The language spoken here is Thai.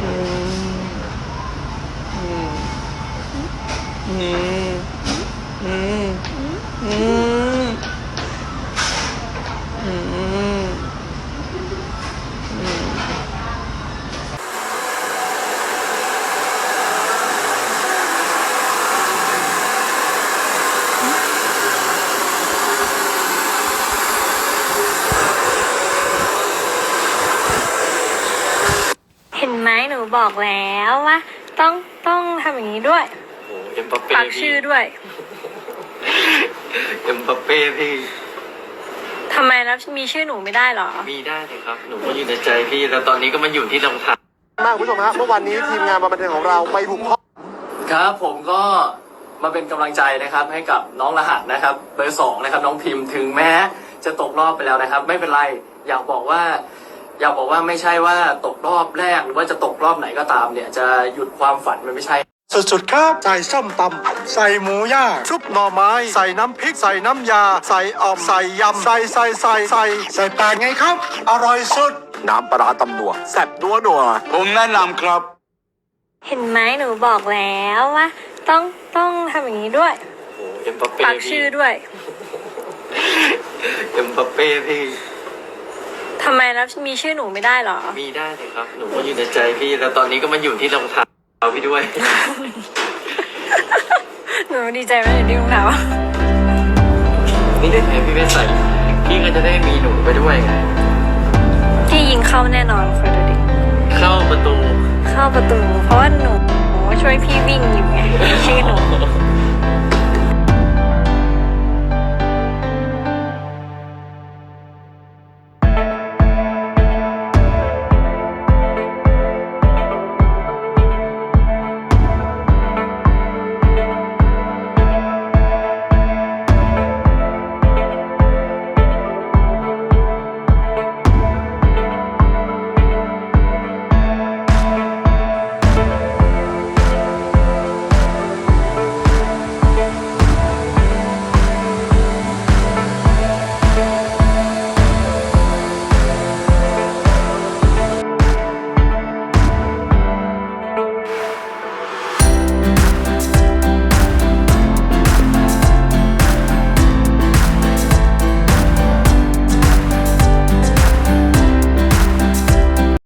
อืมอืมอืมอืมอืมอืมเห็นไหมหนูบอกแล้วว่าต้องทำอย่างนี้ด้วยโอ้เอ็มบัปเป้ปักพี่ชื่อด้วยเอ็มบัปเป้พี่ทำไมแล้วมีชื่อหนูไม่ได้เหรอมีได้เลยครับหนูก็อยู่ในใจพี่แล้วตอนนี้ก็มาอยู่ที่รองเท้ามากคุณผู้ชมฮะเมื่อวันนี้ทีมงานบันเทิงของเราไปบุกห้องครับผมก็มาเป็นกำลังใจนะครับให้กับน้องรหัสนะครับเบอร์สองนะครับน้องพิมพ์ถึงแม้จะตกรอบไปแล้วนะครับ ไม่เป็นไรอยากบอกว่าไม่ใช่ว่าตกรอบแรกหรือว่าจะตกรอบไหนก็ตามเนี่ยจะหยุดความฝันมันไม่ใช่สุดๆครับใส่ส้มตำใส่หมูย่างซุปหน่อไม้ ใส่น้ำพริกใส่น้ำยา ใส่อ่อมใส่ยำใส่ปลาไงครับ อร่อยสุด น้ำปลาตำนัวแซ่บนัวผมแนะนำครับเห็นไหมหนูบอกแล้วว่าต้องทำอย่างนี้ด้วยโอ้เอ็มบัปเป้ปักพี่ชื่อด้วยเอ็มบัปเป้พี่ทำไมแล้วมีชื่อหนูไม่ได้เหรอมีได้เลยครับหนูก็อยู่ในใจพี่แล้วตอนนี้ก็มาอยู่ที่รองเท้าพี่ด้วยหนูดีใจไหมเดี๋ยวดิ้งหนาวนี่ได้แทนพี่ไปใส่พี่ก็จะได้มีหนูไปด้วยไงพี่ยิงเข้าแน่นอนคอยดูดิเข้าประตูเข้าประตู เพราะว่าหนูช่วยพี่วิ่งอยู่ไงมีชื่อหนู